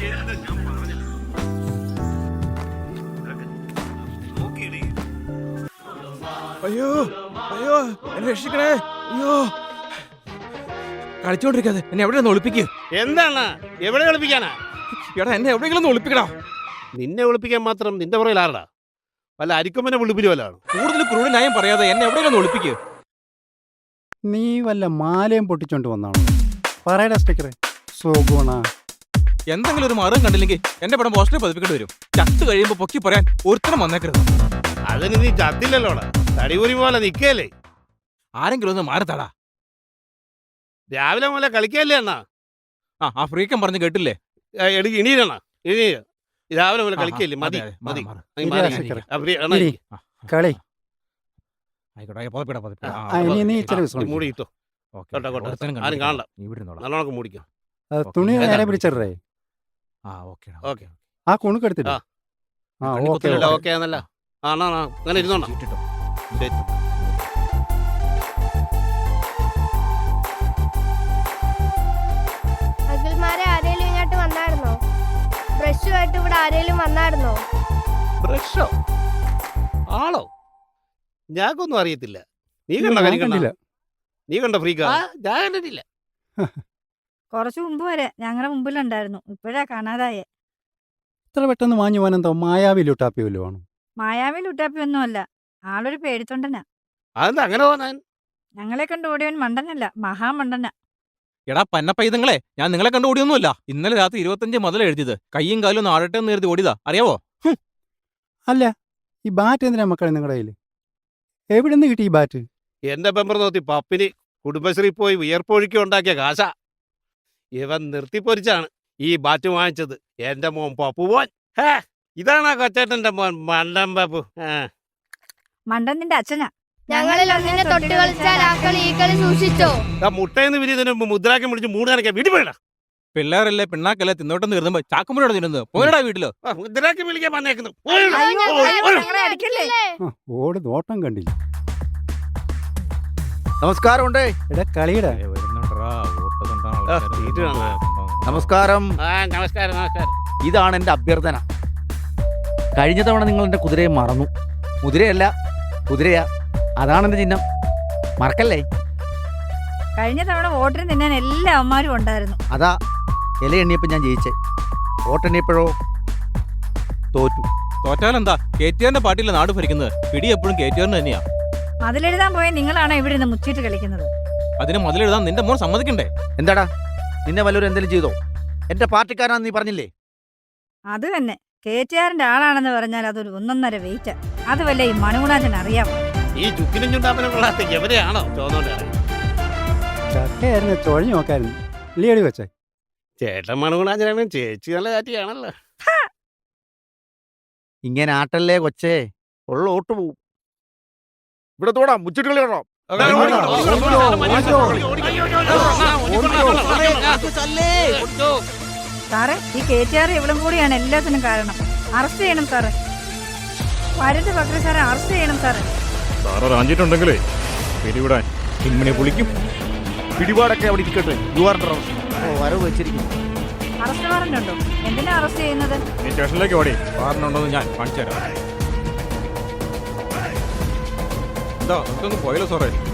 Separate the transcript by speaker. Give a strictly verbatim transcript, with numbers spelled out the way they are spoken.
Speaker 1: അയ്യോ അയ്യോ എന്നെ രക്ഷിക്കണേ. അയ്യോ കളിച്ചോണ്ടിരിക്കാതെ എന്നെ എവിടെ ഒളിപ്പിക്കുക.
Speaker 2: എന്താണ് എവിടെ ഒളിപ്പിക്കാനാ?
Speaker 1: എടാ എന്നെ എവിടെയെങ്കിലും ഒളിപ്പിക്കടാ.
Speaker 2: നിന്നെ ഒളിപ്പിക്കാൻ മാത്രം നിന്റെ പുറകിൽ ആരടാ? വല്ല അരിക്കൊമ്പനെ വിളിപ്പിരി വല്ലാണ്.
Speaker 1: കൂടുതൽ ക്രൂര ന്യായം പറയാതെ എന്നെ എവിടെയെങ്കിലും ഒളിപ്പിക്കുക.
Speaker 3: നീ വല്ല മാലയും പൊട്ടിച്ചോണ്ട് വന്നാണോ? പറയടാ സ്പീക്കറെ. സോഗുണ
Speaker 1: എന്തെങ്കിലും ഒരു മാർഗം കണ്ടില്ലെങ്കിൽ എന്റെ പടം പോസ്റ്ററിൽ പതിപ്പിക്കേണ്ടി വരും. ചത്ത് കഴിയുമ്പോ പൊക്കി പറയാൻ ഒരുത്തരം വന്നേക്കരുത്.
Speaker 2: അതിന് നീ ചത്തില്ലല്ലോടാ, തടിപൂരി പോലെ നിക്കല്ലേ.
Speaker 1: ആരെങ്കിലും ഒന്ന് മാറത്താടാ.
Speaker 2: രാവിലെ പോലെ കളിക്കല്ലേ അണ്ണാ?
Speaker 1: ആ ആ ഫ്രീക്കം പറഞ്ഞ് കേട്ടില്ലേ?
Speaker 2: എടുക്ക് ഇണീരണ ഇനി രാവിലെ പോലെ കളിക്കല്ലേ. മതി മതി
Speaker 3: കളി
Speaker 2: മൂടിയിട്ടോ. ആരും കാണണ്ട, നല്ലോണം മൂടിക്കോ.
Speaker 3: തുണി നേരെ പിടിച്ചേ. ആ കുണുക്കെടുത്തിട്ടോ.
Speaker 2: ഓക്കെ ആണല്ല. ആ അങ്ങനെ ഇരുന്നോണ.
Speaker 4: അഖിൽമാരെ ആരേലും ഇങ്ങോട്ട് വന്നായിരുന്നോ? ബ്രഷുമായിട്ട് ഇവിടെ ആരേലും വന്നായിരുന്നോ?
Speaker 2: ബ്രഷോ? ആളോ? ഞാക്കൊന്നും അറിയത്തില്ല. നീ കണ്ട കണ്ടില്ല? നീ കണ്ട ഫ്രീക്കാ? ഞാൻ കണ്ടിട്ടില്ല.
Speaker 5: കുറച്ചു മുമ്പ് വരെ ഞങ്ങളുടെ മുമ്പിലുണ്ടായിരുന്നു, ഇപ്പോഴാ കാണാതായേ.
Speaker 3: ഇത്ര പെട്ടെന്ന് വാങ്ങി പോകാനെന്തോ മായാവി ലുട്ടാപ്പി വല്ലതും ആണോ?
Speaker 5: മായാവി ലുട്ടാപ്പി ഒന്നുമല്ല, ആളൊരു പേടിത്തൊണ്ടനാ.
Speaker 2: അതെന്താ അങ്ങനെ പോകാൻ?
Speaker 5: ഞങ്ങളെ കണ്ട് ഓടിയവൻ മണ്ടനല്ല, മഹാമണ്ടനാ.
Speaker 1: എടാ പന്നപ്പൈതങ്ങളെ, ഞാൻ നിങ്ങളെ കണ്ട് ഓടിയൊന്നുമല്ല. ഇന്നലെ രാത്രി ഇരുപത്തഞ്ച് മുതൽ എഴുതിയത്. കയ്യും കാലും നാടട്ടെ എന്ന് എഴുതി ഓടിയതാ, അറിയാവോ?
Speaker 3: അല്ല, ഈ ബാറ്റ് എന്തിനാ മക്കളെ നിങ്ങളുടെ കയ്യിൽ? എവിടെ നിന്ന് കിട്ടി ഈ ബാറ്റ്?
Speaker 2: എന്റെ പെമ്പർ നോത്തി പപ്പിന് കുടുംബശ്രീ പോയി വിയർപ്പൊഴുക്കി ഉണ്ടാക്കിയ കാശ. ഇവൻ നിർത്തിപ്പൊരിച്ചാണ് ഈ ബാറ്റ് വാങ്ങിച്ചത്. എന്റെ മോൻ പപ്പു പോൻ. ഇതാണ് ആ കൊച്ചേട്ടന്റെ മോൻ മണ്ടൻ പപ്പു.
Speaker 5: മണ്ടൻ നിന്റെ അച്ഛനാ.
Speaker 4: ഞങ്ങളിൽ ഒന്നിനെ തൊട്ട് കളിച്ചാൽ ആ കളി ഈ കളി സൂക്ഷിച്ചോ.
Speaker 2: മുട്ടയെന്ന് വിരിയതിന് മുദ്രാക്കം പിടിച്ച് മൂട് കണക്കാ വീട്ടിൽ പോയിടാ.
Speaker 1: പിള്ളേരല്ലേ പിണ്ണാക്കല്ലേ തിന്നോട്ടെന്ന് കരുതുമ്പോ ചാക്കുമ്പോഴാണ് തിന്നുന്നത്. പോയടാ വീട്ടിലോ.
Speaker 2: മുദ്രാക്കം വിളിക്കാൻ വന്നേക്കുന്നു.
Speaker 3: ഓട് നോട്ടം കണ്ടില്ല.
Speaker 6: നമസ്കാരം ഉണ്ടേ.
Speaker 3: എടാ കളിയുടെ
Speaker 6: നമസ്കാരം.
Speaker 2: നമസ്കാരം നമസ്കാരം.
Speaker 6: ഇതാണ് എന്റെ അഭ്യർത്ഥന. കഴിഞ്ഞ തവണ നിങ്ങൾ എന്റെ കുതിരയെ മറന്നു. കുതിരയല്ല കുതിരയാ, അതാണ് എന്റെ ചിഹ്നം. മറക്കല്ലേ.
Speaker 5: കഴിഞ്ഞ തവണ വോട്ടിന് തിന്നാൻ എല്ലാ അമ്മമാരും ഉണ്ടായിരുന്നു.
Speaker 6: അതാ ഇല എണ്ണിയപ്പോ ഞാൻ ജയിച്ചേ. വോട്ടെണ്ണിയപ്പോഴോ തോറ്റു.
Speaker 1: തോറ്റാലെന്താ? കെ ടി ആറിന്റെ പാർട്ടിയിലെ നാട് ഭരിക്കുന്നത്. പിടി എപ്പോഴും കെ ടി ആറിന് തന്നെയാ.
Speaker 5: മതിലെഴുതാൻ പോയ നിങ്ങളാണ് ഇവിടെ നിന്ന് മുച്ചിട്ട് കളിക്കുന്നത്.
Speaker 1: അതിന് മതിലെഴുതാൻ നിന്റെ മോൻ സമ്മതിക്കണ്ടേ?
Speaker 6: എന്താടാ, നിന്നെ വല്ലവരും എന്തെങ്കിലും ചെയ്തോ? എന്റെ പാർട്ടിക്കാരാന്ന് നീ പറഞ്ഞില്ലേ?
Speaker 5: അത് തന്നെ, കെ ടി ആറിന്റെ ആളാണെന്ന് പറഞ്ഞാൽ അതൊരു ഒന്നൊന്നര വെയിറ്റ്. അത് വല്ല ഈ മണികുണാച്ചൻ അറിയാം.
Speaker 2: ഈ ചുക്കിനും ചുണ്ടാപ്പനും കൊള്ളാത്ത എവരെയാണോ ചോന്നോണ്ട്?
Speaker 3: ചക്കയായിരുന്നു, ചൊഴഞ്ഞു നോക്കായിരുന്നു. ഇല്ലിയടി വെച്ചേ.
Speaker 2: ചേട്ടൻ മണകുണാച്ചനാണ്, ചേച്ചി നല്ല ചാറ്റിയാണല്ലോ.
Speaker 6: ഇങ്ങനെ ആട്ടല്ലേ കൊച്ചേ, ഉള്ള ഓട്ട് പോവും. ഇവിടെ തോടാ മുച്ചിട്ട് കളി കാണാം.
Speaker 5: സാറേ, ഈ കെ ടി ആർ ഇവളും കൂടിയാണ് എല്ലാത്തിനും കാരണം. അറസ്റ്റ് ചെയ്യണം സാറേ. വരത് പക്രി സാറെ അറസ്റ്റ് ചെയ്യണം സാറേ.
Speaker 1: സാറ് റാഞ്ചിട്ടുണ്ടെങ്കിലേ പിടിവിടാൻ ഇങ്ങനെ പൊളിക്കും.
Speaker 6: പിടിപാടൊക്കെ അവിടെ ഇരിക്കട്ടെ. യു ആർ വരവ് വെച്ചിരിക്കും.
Speaker 5: അറസ്റ്റ് വാറന്റ് ഉണ്ടോ? എന്തിനാ അറസ്റ്റ് ചെയ്യുന്നത്?
Speaker 1: സ്റ്റേഷനിലേക്ക് ഓടി വാറന്റുണ്ടോന്ന് ഞാൻ കാണിച്ചു തരാം. എന്താ നമുക്കൊന്ന് പോയല്ലോ സാറേ.